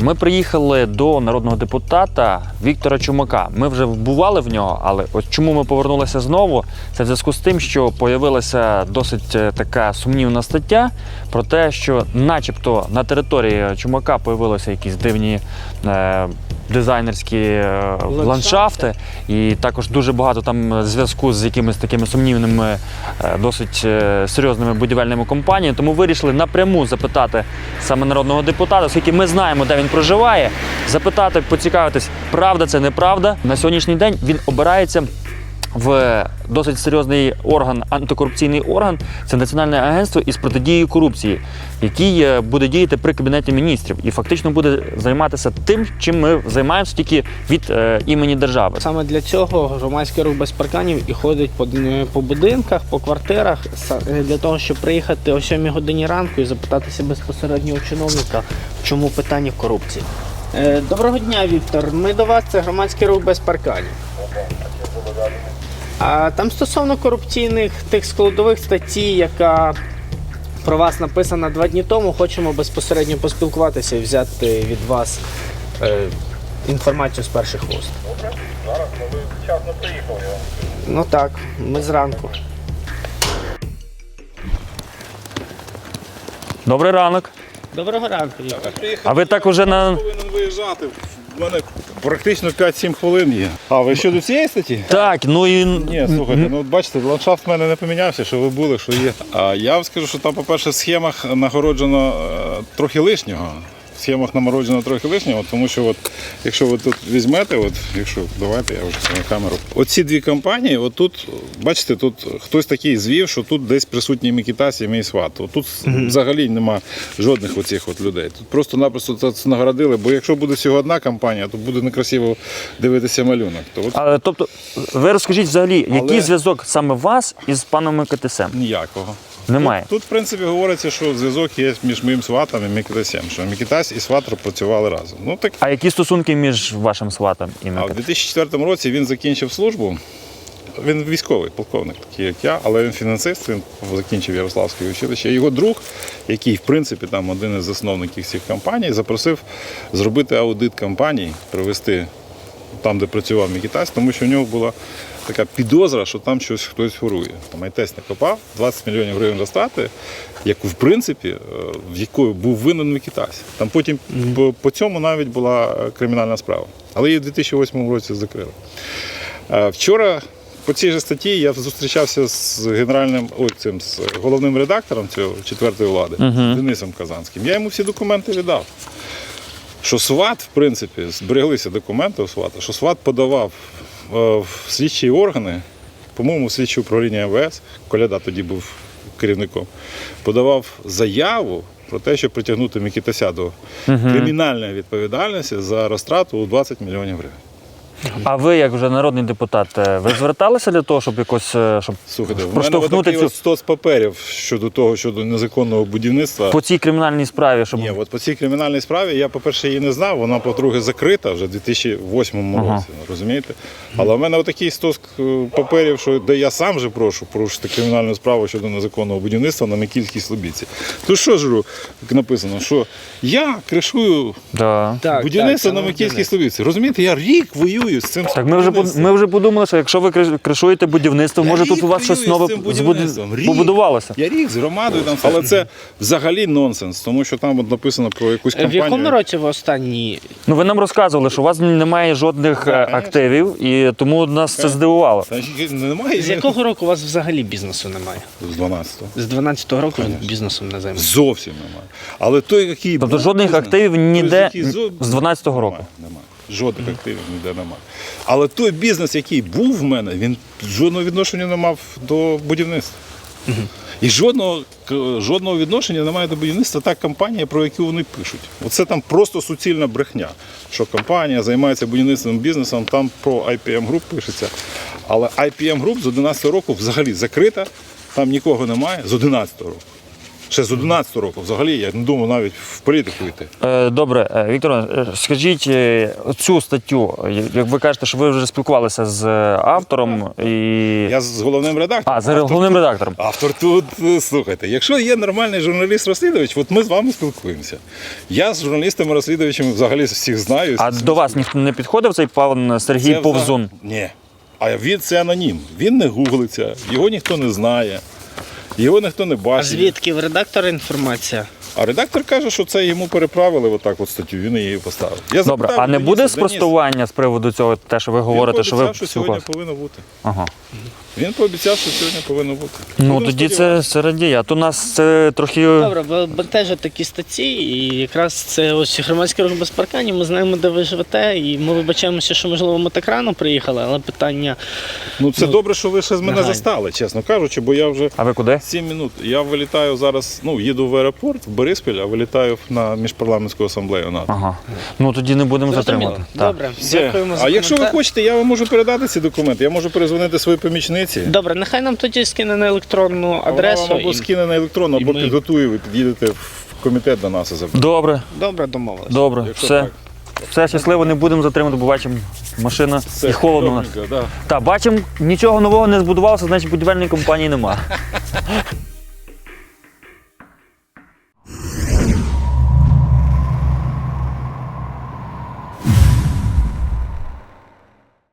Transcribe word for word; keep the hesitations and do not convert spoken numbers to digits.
Ми приїхали до народного депутата Віктора Чумака. Ми вже бували в нього, але ось чому ми повернулися знову, це в зв'язку з тим, що з'явилася досить така сумнівна стаття про те, що начебто на території Чумака з'явилися якісь дивні е, дизайнерські е, ландшафти, і також дуже багато там зв'язку з якимись такими сумнівними, е, досить е, серйозними будівельними компаніями. Тому вирішили напряму запитати саме народного депутата, оскільки ми знаємо, де він проживає, запитати, поцікавитись, правда це, неправда. На сьогоднішній день він обирається в досить серйозний орган, антикорупційний орган, це Національне агентство із протидії корупції, який буде діяти при Кабінеті міністрів і фактично буде займатися тим, чим ми займаємося тільки від е, імені держави. Саме для цього громадський рух без парканів і ходить по, по будинках, по квартирах, для того, щоб приїхати о сьомій годині ранку і запитатися безпосередньо у чиновника, в чому питання корупції. Е, доброго дня, Віктор. Ми до вас, це громадський рух без парканів. А там стосовно корупційних тих складових статей, яка про вас написана два дні тому, хочемо безпосередньо поспілкуватися і взяти від вас е, інформацію з перших вуст. Добре, зараз, ну ви вчасно приїхали. Ну так, ми зранку. Добрий ранок. Доброго ранку, Віктор. А ви так уже на... Повинен виїжджати. У мене практично п'ять-сім хвилин є. А ви щодо цієї статті? Так, ну і... Ні, слухайте, ну от бачите, ландшафт в мене не помінявся, що ви були, що є. А я вам скажу, що там, по-перше, в схемах нагороджено е, трохи лишнього. В схемах намороджено трохи лишнього, тому що от, якщо ви тут візьмете, от, якщо, давайте я вже на камеру. Оці дві компанії, от тут, бачите, тут хтось такий звів, що тут десь присутній Микитась і мій сват. От тут mm-hmm. взагалі нема жодних оцих от людей. Тут просто-напросто це нагородили, бо якщо буде всього одна компанія, то буде некрасиво дивитися малюнок. То от... А, тобто, ви розкажіть взагалі, Але... який зв'язок саме вас із паном Микитасем? Ніякого. Немає. Тут, тут, в принципі, говориться, що зв'язок є між моїм сватом і Микитасем, що Микитась і сват працювали разом. Ну, так... А які стосунки між вашим сватом і А в Микитасем? дві тисячі четвертому році він закінчив службу. Він військовий полковник, такий як я, але він фінансист, він закінчив Ярославське училище. Його друг, який, в принципі, там один із засновників цих компаній, запросив зробити аудит компаній, провести там, де працював Микитась, тому що в нього була така підозра, що там щось хтось горує. Там АйТЕС накопав, двадцять мільйонів гривень розтрати, яку, в принципі, в якої був винен Микитась. Там потім mm-hmm. по, по цьому навіть була кримінальна справа. Але її в дві тисячі восьмому році закрили. Вчора по цій же статті я зустрічався з генеральним, ой, цим, з головним редактором цього четвертої влади, mm-hmm. Денисом Казанським. Я йому всі документи віддав. Що СВАТ, в принципі, збереглися документи у СВАТа, що СВАТ подавав в слідчі органи, по-моєму, в слідче управління ем ве ес, Коляда тоді був керівником, подавав заяву про те, щоб притягнути Микитася до угу. кримінальної відповідальності за розтрату у двадцять мільйонів гривень. А ви, як вже народний депутат, ви зверталися для того, щоб якось щоб Слухайте, проштовхнути цю... цю... стос паперів щодо того, щодо незаконного будівництва. По цій кримінальній справі, щоб... Ні, от по цій кримінальній справі я, по-перше, її не знав, вона, по-друге, закрита вже в дві тисячі восьмому ага. році, розумієте? Але в мене отакий стос паперів, що де я сам же прошу порушити кримінальну справу щодо незаконного будівництва на Микільській Слобідці. Тут що ж написано, що я кришую да. будівництво так, на Микільській Слобідці. Розумієте, я рік воюю з цим. Так ми вже, ми вже подумали, що якщо ви кришуєте будівництво, я може тут у вас щось нове побудувалося. Я рік з громадою там, але це взагалі нонсенс, тому що там от написано про якусь компанію. В якому році ви останні? Ну ви нам розказували, що у вас немає жодних так, активів, і тому нас так. це здивувало. Та, немає. З якого року у вас взагалі бізнесу немає? З дванадцятого. З дванадцятого року конечно. Бізнесом не займається? Зовсім немає. Але той, який Тобто жодних бізнес, активів ніде той, з дванадцятого року? Немає. немає. Жодних mm-hmm. активів ніде немає. Але той бізнес, який був в мене, він жодного відношення не мав до будівництва. Mm-hmm. І жодного, жодного відношення немає до будівництва та компанія, про яку вони пишуть. Оце там просто суцільна брехня, що компанія займається будівництвом бізнесом, там про ай пі ем Group пишеться. Але ай пі ем Group з одинадцятого року взагалі закрита, там нікого немає з одинадцятого року. Ще з одинадцятого року. Взагалі, я не думав навіть в політику йти. Е, Добре, е, Віктор, е, скажіть е, цю статтю, як ви кажете, що ви вже спілкувалися з автором і. Я з головним редактором. А, з головним редактором. Автор тут, е, слухайте, якщо є нормальний журналіст-розслідувач, от ми з вами спілкуємося. Я з журналістами-розслідувачами взагалі всіх знаю. А до вас ніхто не підходив цей пан Сергій Це Повзун? взагалі- Ні. А він це анонім. Він не гуглиться, його ніхто не знає, його ніхто не А бачить. звідки в редактора інформація? А редактор каже, що це йому переправили отак от статтю, він її поставив. Я Добре, запитав а не Дениса, буде Денис, спростування з приводу цього, те, що ви говорите, що ви Він пообіцяв, що сьогодні спілкувалися? повинно бути. Ага. Він пообіцяв, що сьогодні повинно бути. Ну Будемо тоді це, сподіватися. це радіє. А то нас це трохи. Добре, бо бентежать такі статті, і якраз це ось громадський рух без парканів, ми знаємо, де ви живете, і ми вибачаємося, що, можливо, ми так рано приїхали, але питання... Ну це ну, добре, що ви ще з мене негайно. застали, чесно кажучи, бо я вже А ви куди? сім минут. Я вилітаю зараз, ну, їду в аеропорт, в Бориспіль, а вилітаю на міжпарламентську асамблею НАТО. Ага. Ну тоді не будемо Зрозуміло. затримувати. Так. Добре, Все. дякуємо за А якщо ви коментар. хочете, я вам можу передати ці документи, я можу перезвонити своїй помічниці. Добре, нехай нам тоді скине на електронну Вона адресу. вам або і- скине на електронну, і або ми- підготує, ви під'їдете в комітет до нас і заберете. Добре, Добре, домовились. добре. Якщо Все. так. Все щасливо, не будемо затримувати, бо бачимо, машина Все, і холодно. у нас. добренько, да. Так, бачимо, нічого нового не збудувалося, значить будівельної компанії нема.